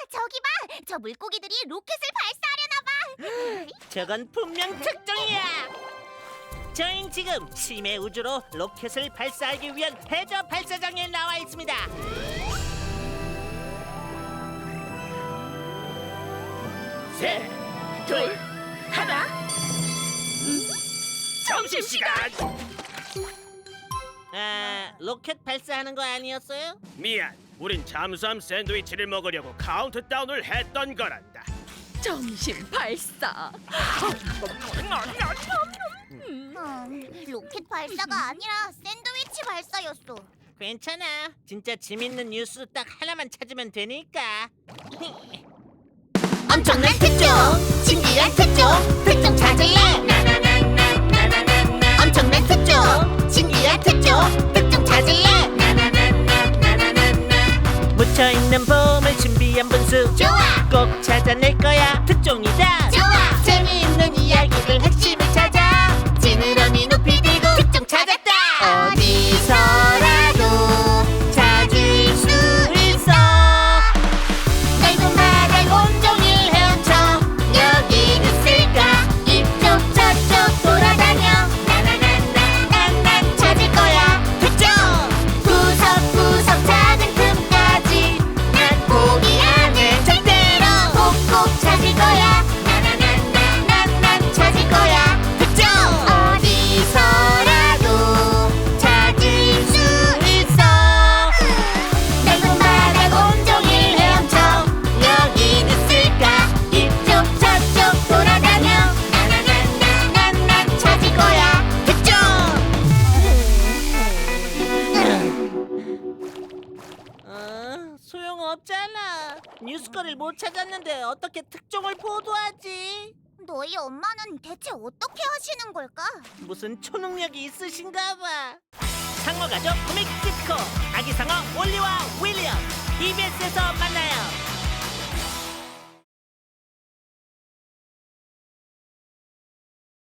저기 봐! 저 물고기들이 로켓을 발사하려나 봐! 저건 분명 특종이야. 저희는 지금 심해 우주로 로켓을 발사하기 위한 해저 발사장에 나와 있습니다. 셋, 둘, 하나. 점심시간. 로켓 발사하는 거 아니었어요? 미안, 우린 잠수함 샌드위치를 먹으려고 카운트다운을 했던 거란다. 점심 발사. 로켓 발사가 아니라 샌드위치 발사였어. 괜찮아. 진짜 재밌는 뉴스 딱 하나만 찾으면 되니까. 엄청난 특종! 신기한 특종! 특종 찾을래? 엄청난 특종! 신기한 특종! 특종 찾을래? 묻혀있는 보물 신비한 분수 좋아! 꼭 찾아낼 거야. 특종이다. 좋아! 재미있는 이야기를 핵심을 찾아. 지느러미 높이 들고 특종 찾았다! 어디서라도 찾을 수 있어. 넓은 바다를 온종일 헤엄쳐 여긴 있을까? 이쪽 저쪽 돌아다녀 나나나나난 찾을 거야. 특종! 구석구석 작은 틈까지 난 포기 안 해 절대로. 꼭꼭 찾을 거야. 나나나나난 찾을 거야. 특종! 어디서라도 찾을 수 있어. 넓은 바다 온종일 헤엄쳐 여긴 있을까? 이쪽 저쪽 돌아다녀 나나나나난 찾을 거야. 특종! 소용없잖아. 뉴스거리를 못 찾았는데 어떻게 특종을 보도하지? 너희 엄마는 대체 어떻게 하시는 걸까? 무슨 초능력이 있으신가 봐. 상어 가족 코믹 디스코 아기 상어 올리와 윌리엄 EBS에서 만나요.